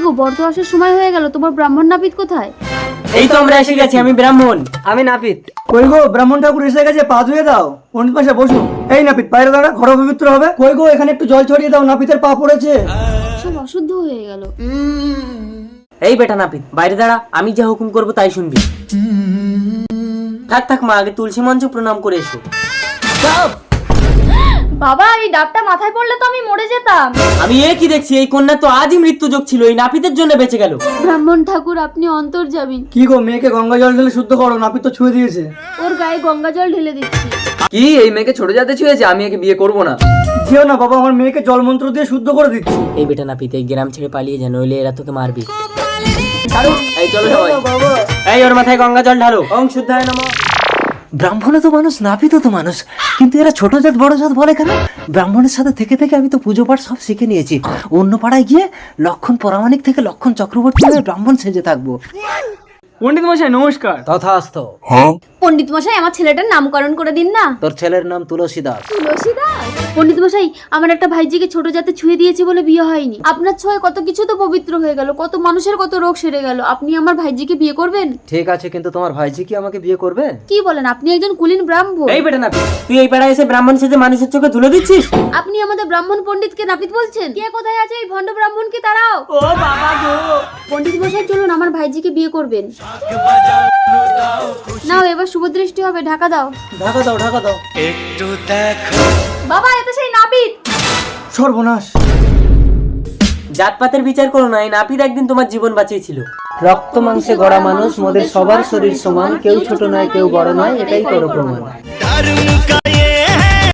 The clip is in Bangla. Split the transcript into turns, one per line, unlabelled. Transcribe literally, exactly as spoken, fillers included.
বর তো আসার সময় হয়ে গেল, তোমার ব্রাহ্মণ নাপিত কোথায়?
এই তো আমরা এসে গেছি, আমি ব্রাহ্মণ।
আমি নাপিত।
কই গো, ব্রাহ্মণ ঠাকুর এসে গেছে, পা ধুয়ে দাও। পণ্ডিত মশাই বসুন। এই নাপিত বাইরে দাঁড়া, ঘর পবিত্র হবে। কই গো, এখানে একটু জল ছড়িয়ে দাও, নাপিতের পা পড়েছে।
সব অশুদ্ধ হয়ে গেল।
এই বেটা নাপিত বাইরে দাঁড়া, আমি যা হুকুম করবো তাই শুনবি। থাক থাক মা, আগে তুলসী মঞ্চ প্রণাম করে এসো।
বাবা, এই ডাবটা মাথায় পড়লে তো আমি মরে যেতাম।
আমি এ কি দেখছি, এই কন্যা তো আজই মৃত্যু যোগ ছিল, এই নাপিতের জন্য বেঁচে গেল।
ব্রাহ্মণ ঠাকুর, আপনি অন্তর যাবেন।
কি গো, মেয়েকে গঙ্গা জল ঢেলে শুদ্ধ করো, নাপিত তো ছুঁয়ে দিয়েছে।
ওর গায়ে গঙ্গা জল ঢেলে দিচ্ছি।
কি এই মেয়েকে ছোট জাতে ছুঁয়েছে? আমি একে বিয়ে করব না।
যেও না বাবা, আমার মেয়েকে জল মন্ত্র দিয়ে শুদ্ধ করে দিচ্ছি।
এই বেটা নাপিত এই গ্রাম ছেড়ে পালিয়ে যা, নইলে এরা তোকে মারবি।
এই চলো সবাই।
বাবা,
এই ওর মাথায় গঙ্গা জল ঢালো। ওং শুদ্ধায় নমঃ।
ব্রাহ্মণে তো মানুষ, নাপিতও তো মানুষ, কিন্তু এরা ছোট জাত বড় জাত বলে কেন? ব্রাহ্মণের সাথে থেকে থেকে আমি তো পুজো পাঠ সব শিখে নিয়েছি। অন্য পাড়ায় গিয়ে লক্ষণ পরামানিক থেকে লক্ষণ চক্রবর্তী হয়ে ব্রাহ্মণ সেজে থাকবো।
পণ্ডিত মশাই নমস্কার।
তথাস্থ।
পণ্ডিত মশাই, আমার ছেলেটার নামকরণ করে দিন না।
তোর ছেলের নাম তুলসী দাস।
তুলসী দাস? পণ্ডিত মশাই, আমার একটা ভাইজিকে ছোট জাতে ছুঁয়ে দিয়েছে বলে বিয়ে হয়নি। আপনার ছোঁয়ায় কত কিছু তো পবিত্র হয়ে গেল, কত মানুষের কত রোগ সেরে গেল। আপনি আমার ভাইজিকে বিয়ে করবেন?
ঠিক আছে, কিন্তু তোমার ভাইজি কি আমাকে বিয়ে করবে?
কি বলেন, আপনি একজন কুলীন ব্রাহ্মণ।
এই বেটা নাপিত, তুই এই পাড়ায় এসে ব্রাহ্মণ সেজে মানুষের চোখে ধুলো দিচ্ছিস?
আপনি আমাদের ব্রাহ্মণ পণ্ডিতকে নাপিত বলছেন? কে কোথায় আছে এই ভণ্ড ব্রাহ্মণকে তাড়াও।
ও বাবা গো।
পণ্ডিত মশাই চলুন, আমার ভাইজিকে বিয়ে করবেন। নাও, এবার শুভ দৃষ্টি হবে, ঢাকা দাও।
ঢাকা দাও, ঢাকা দাও।
বাবা, এতে সেই নাপিত।
সর্বনাশ।
জাতপাতের বিচার করো না, এই নাপিত একদিন তোমার জীবন বাঁচিয়েছিল।
রক্ত মাংসে গড়া মানুষ, মোদের সবার শরীর সমান, কেউ ছোট নয় কেউ বড় নয়, এটাই করো প্রমাণ।